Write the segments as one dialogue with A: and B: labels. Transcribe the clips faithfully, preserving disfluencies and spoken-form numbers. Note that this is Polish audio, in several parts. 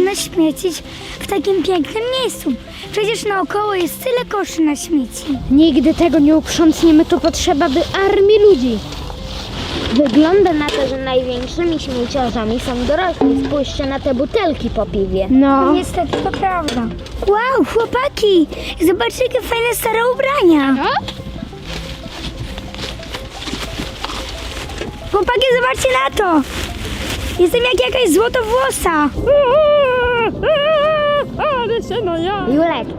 A: można śmiecić w takim pięknym miejscu? Przecież naokoło jest tyle koszy na śmieci.
B: Nigdy tego nie uprzątniemy, to potrzeba by armii ludzi. Wygląda na to, że największymi śmieciarzami są dorośli. Spójrzcie na te butelki po piwie.
A: No niestety to prawda. Wow, chłopaki! Zobaczcie, jakie fajne stare ubrania.
B: No?
A: Chłopaki, zobaczcie na to! Jestem jak jakaś złotowłosa.
B: Ale się no ja. Julek.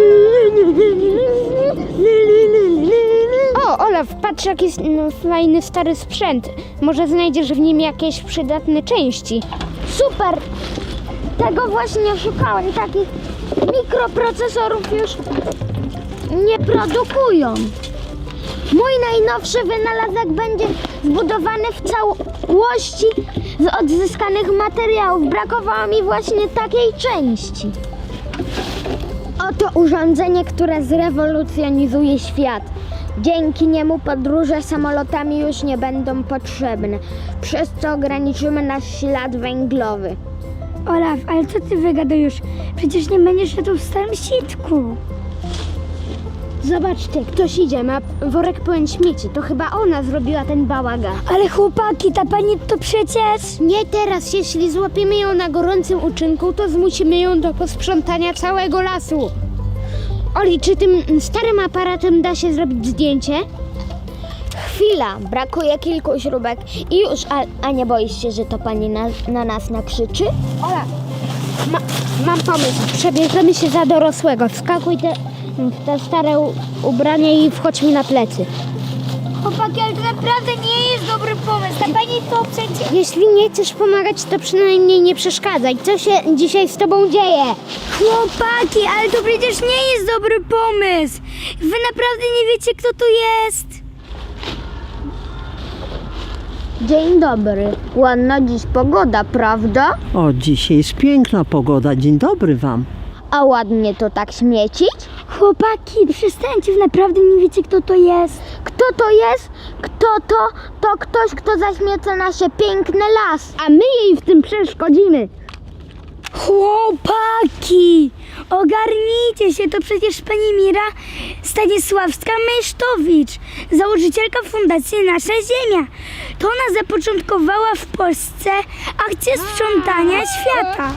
B: O, Olaf, patrz jaki jest no, fajny stary sprzęt. Może znajdziesz w nim jakieś przydatne części. Super! Tego właśnie szukałem. Takich mikroprocesorów już nie produkują. Mój najnowszy wynalazek będzie zbudowany w całości z odzyskanych materiałów. Brakowało mi właśnie takiej części. Oto urządzenie, które zrewolucjonizuje świat. Dzięki niemu podróże samolotami już nie będą potrzebne, przez co ograniczymy nasz ślad węglowy.
A: Olaf, ale co ty wygadujesz? Przecież nie będziesz szedł w starym sitku.
B: Zobaczcie, ktoś idzie, ma worek pełen śmieci. To chyba ona zrobiła ten bałagan.
A: Ale chłopaki, ta pani to przecież...
B: Nie teraz, jeśli złapiemy ją na gorącym uczynku, to zmusimy ją do posprzątania całego lasu. Oli, czy tym starym aparatem da się zrobić zdjęcie? Chwila, brakuje kilku śrubek i już, a, a nie boisz się, że to pani na, na nas nakrzyczy? Ola, ma, mam pomysł, przebierzemy się za dorosłego. Wskakuj te, w te stare u, ubrania i wchodź mi na plecy.
A: Chłopaki, ale to naprawdę nie jest dobry pomysł. Ta pani to przecież...
B: Jeśli nie chcesz pomagać, to przynajmniej nie przeszkadzaj. Co się dzisiaj z tobą dzieje?
A: Chłopaki, ale to przecież nie jest dobry pomysł. Wy naprawdę nie wiecie, kto tu jest.
B: Dzień dobry. Ładna dziś pogoda, prawda?
C: O, dzisiaj jest piękna pogoda. Dzień dobry wam.
B: A ładnie to tak śmiecić?
A: Chłopaki, przestańcie, wy naprawdę nie wiecie, kto to jest.
B: Kto to jest? Kto to? To ktoś, kto zaśmieca nasze piękne las. A my jej w tym przeszkodzimy.
A: Chłopaki, ogarnijcie się, to przecież pani Mira Stanisławska-Mysztowicz, założycielka Fundacji Nasza Ziemia. To ona zapoczątkowała w Polsce akcję sprzątania świata.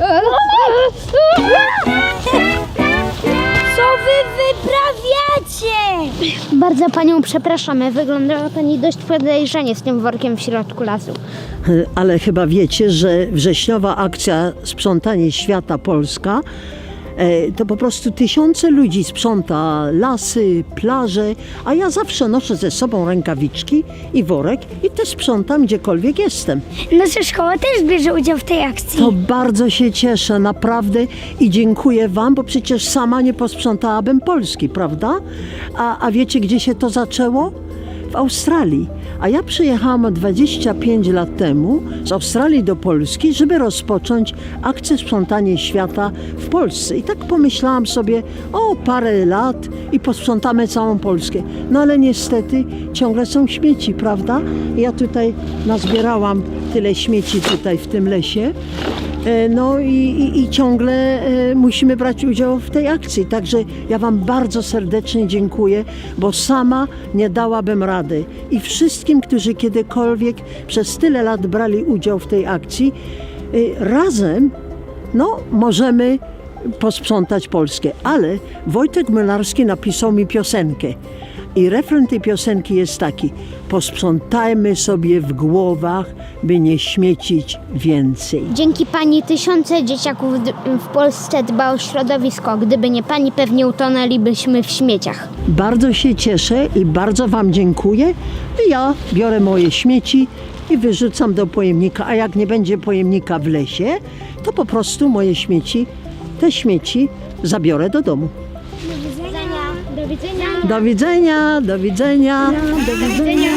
A: Co wy wyprawiacie?
B: Bardzo panią przepraszamy. Wyglądała pani dość podejrzanie z tym workiem w środku lasu.
C: Ale chyba wiecie, że wrześniowa akcja Sprzątanie Świata Polska e, to po prostu tysiące ludzi sprząta lasy, plaże, a ja zawsze noszę ze sobą rękawiczki i worek i też sprzątam gdziekolwiek jestem.
A: Nasza szkoła też bierze udział w tej akcji.
C: To bardzo się cieszę, naprawdę, i dziękuję wam, bo przecież sama nie posprzątałabym Polski, prawda? A, a wiecie, gdzie się to zaczęło? W Australii. A ja przyjechałam dwadzieścia pięć lat temu z Australii do Polski, żeby rozpocząć akcję Sprzątanie Świata w Polsce. I tak pomyślałam sobie, o, parę lat i posprzątamy całą Polskę. No ale niestety ciągle są śmieci, prawda? Ja tutaj nazbierałam tyle śmieci tutaj w tym lesie. No i, i, i ciągle e, musimy brać udział w tej akcji. Także ja wam bardzo serdecznie dziękuję, bo sama nie dałabym rady. I wszystkim, którzy kiedykolwiek przez tyle lat brali udział w tej akcji, e, razem no, możemy posprzątać Polskę. Ale Wojtek Młynarski napisał mi piosenkę. I refren tej piosenki jest taki: posprzątajmy sobie w głowach, by nie śmiecić więcej.
B: Dzięki pani tysiące dzieciaków d- w Polsce dba o środowisko. Gdyby nie pani, pewnie utonęlibyśmy w śmieciach.
C: Bardzo się cieszę i bardzo wam dziękuję. I ja biorę moje śmieci i wyrzucam do pojemnika, a jak nie będzie pojemnika w lesie, to po prostu moje śmieci, te śmieci zabiorę do domu.
B: Do widzenia.
C: Do widzenia, do widzenia.
B: Do widzenia.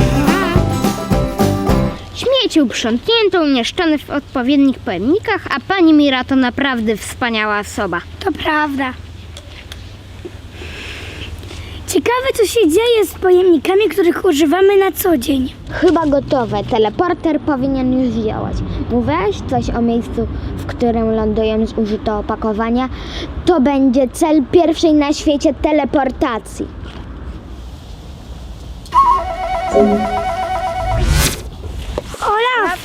B: Śmieci uprzątnięto, umieszczone w odpowiednich pojemnikach, a pani Mira to naprawdę wspaniała osoba.
A: To prawda. Ciekawe, co się dzieje z pojemnikami, których używamy na co dzień.
B: Chyba gotowe. Teleporter powinien już działać. Mówiłaś coś o miejscu, w którym lądują zużyte opakowania? To będzie cel pierwszej na świecie teleportacji.
A: Olaf!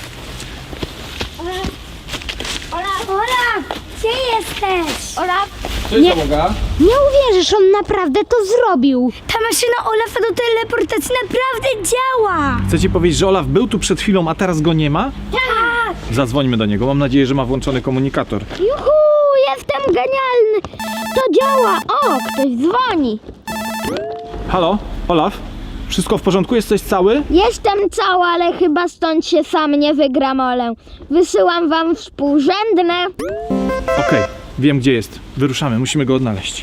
A: Olaf! Gdzie jesteś?
B: Olaf,
D: Cześć,
B: Nie.
D: załoga.
B: nie uwierzysz, on naprawdę to zrobił.
A: Ta maszyna Olafa do teleportacji naprawdę działa!
D: Chcę ci powiedzieć, że Olaf był tu przed chwilą, a teraz go nie ma?
A: Tak!
D: Zadzwońmy do niego. Mam nadzieję, że ma włączony komunikator.
B: Juhu, jestem genialny. To działa. O, ktoś dzwoni.
D: Halo, Olaf? Wszystko w porządku? Jesteś cały?
B: Jestem cała, ale chyba stąd się sam nie wygramolę. Wysyłam wam współrzędne.
D: Okej, wiem gdzie jest. Wyruszamy, musimy go odnaleźć.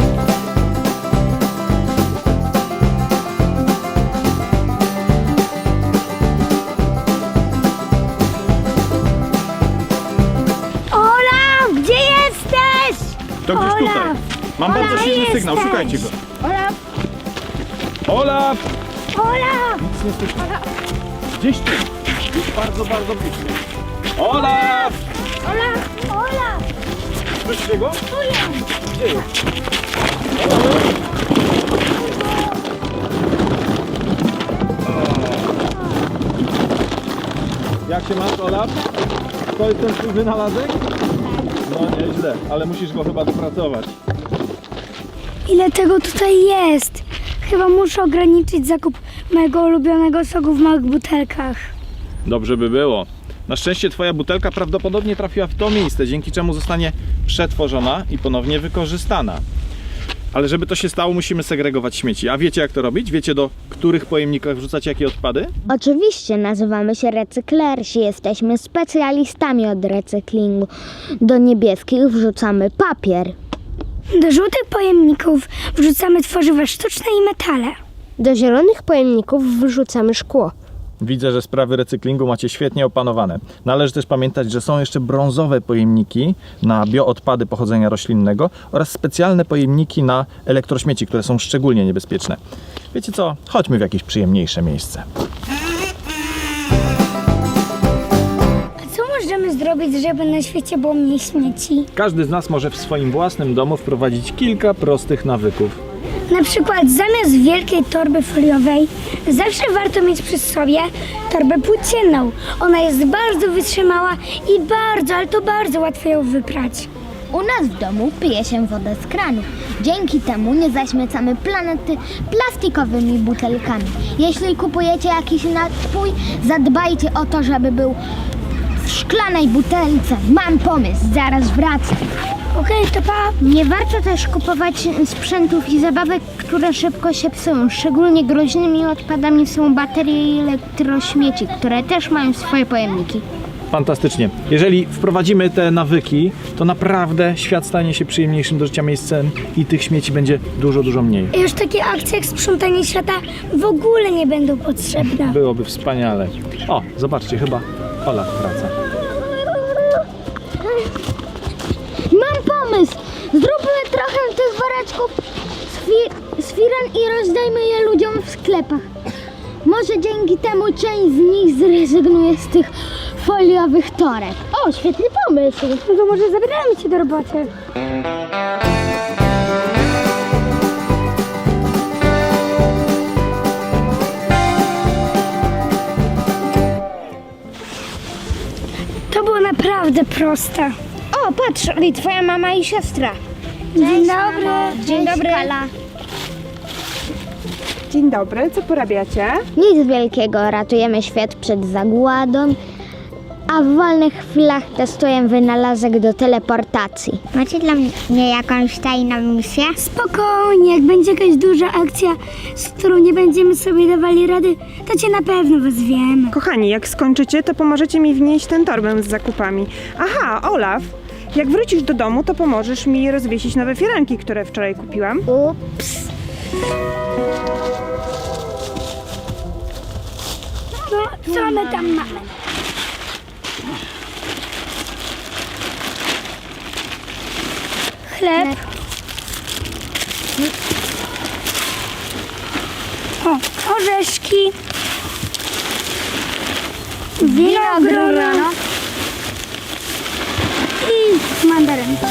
A: Olaf! Gdzie jesteś?
D: To gdzieś tutaj.
A: Olaf!
D: Mam bardzo
A: Olaf,
D: silny
A: jesteś.
D: sygnał, szukajcie go.
B: Olaf,
D: Olaf!
A: Olaf!
D: Nic nie słyszę. Gdzieś tu. Bardzo, bardzo blisko. Olaf!
A: Olaf! Olaf!
D: Słyszycie go? Gdzie jest? Jak się masz, Olaf? To jest ten twój wynalazek? No nieźle, ale musisz go chyba dopracować.
A: Ile tego tutaj jest? Chyba muszę ograniczyć zakup mojego ulubionego soku w małych butelkach.
D: Dobrze by było. Na szczęście twoja butelka prawdopodobnie trafiła w to miejsce, dzięki czemu zostanie przetworzona i ponownie wykorzystana. Ale żeby to się stało, musimy segregować śmieci. A wiecie jak to robić? Wiecie do których pojemnikach wrzucać jakie odpady?
B: oczywiście nazywamy się recyklersi. Jesteśmy specjalistami od recyklingu. Do niebieskich wrzucamy papier.
A: Do żółtych pojemników wrzucamy tworzywa sztuczne i metale.
B: Do zielonych pojemników wrzucamy szkło.
D: Widzę, że sprawy recyklingu macie świetnie opanowane. Należy też pamiętać, że są jeszcze brązowe pojemniki na bioodpady pochodzenia roślinnego oraz specjalne pojemniki na elektrośmieci, które są szczególnie niebezpieczne. Wiecie co? Chodźmy w jakieś przyjemniejsze miejsce.
A: A co możemy zrobić, żeby na świecie było mniej śmieci?
D: Każdy z nas może w swoim własnym domu wprowadzić kilka prostych nawyków.
A: Na przykład zamiast wielkiej torby foliowej zawsze warto mieć przy sobie torbę płócienną. Ona jest bardzo wytrzymała i bardzo, ale to bardzo łatwo ją wyprać.
B: U nas w domu pije się wodę z kranu. Dzięki temu nie zaśmiecamy planety plastikowymi butelkami. Jeśli kupujecie jakiś napój, zadbajcie o to, żeby był w szklanej butelce. Mam pomysł, zaraz wracam.
A: Okej, to pa!
B: Nie warto też kupować sprzętów i zabawek, które szybko się psują. Szczególnie groźnymi odpadami są baterie i elektrośmieci, które też mają swoje pojemniki.
D: Fantastycznie. Jeżeli wprowadzimy te nawyki, to naprawdę świat stanie się przyjemniejszym do życia miejscem i tych śmieci będzie dużo, dużo mniej.
A: I już takie akcje jak sprzątanie świata w ogóle nie będą potrzebne.
D: Byłoby wspaniale. O, zobaczcie, chyba Olaf wraca.
B: Mam pomysł! Zróbmy trochę tych woreczków z, fi- z firan i rozdajmy je ludziom w sklepach. Może dzięki temu część z nich zrezygnuje z tych foliowych toreb. O, świetny pomysł!
A: No to może zabieramy cię do roboty. To było naprawdę proste.
B: O, patrz, i twoja mama i siostra.
A: Dzień dobry.
B: Dzień dobry.
E: Dzień dobry, co porabiacie?
B: Nic wielkiego, ratujemy świat przed zagładą, a w wolnych chwilach testuję wynalazek do teleportacji.
F: Macie dla mnie jakąś tajną misję?
A: Spokojnie, jak będzie jakaś duża akcja, z którą nie będziemy sobie dawali rady, to cię na pewno wezwiemy.
E: Kochani, jak skończycie, to pomożecie mi wnieść tę torbę z zakupami. Aha, Olaf, jak wrócisz do domu, to pomożesz mi rozwiesić nowe firanki, które wczoraj kupiłam.
B: Ups.
A: No, co my tam mamy? Chleb. O, orzeszki, winogron i mandarynki.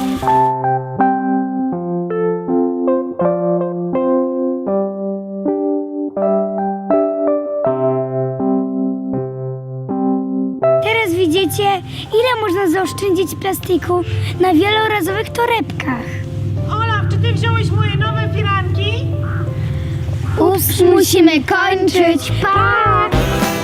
A: Teraz widzicie, ile można zaoszczędzić plastiku na wielorazowych torebkach.
E: Olaf, czy ty wziąłeś moje nowe firanki?
A: Ups, musimy kończyć. Pa!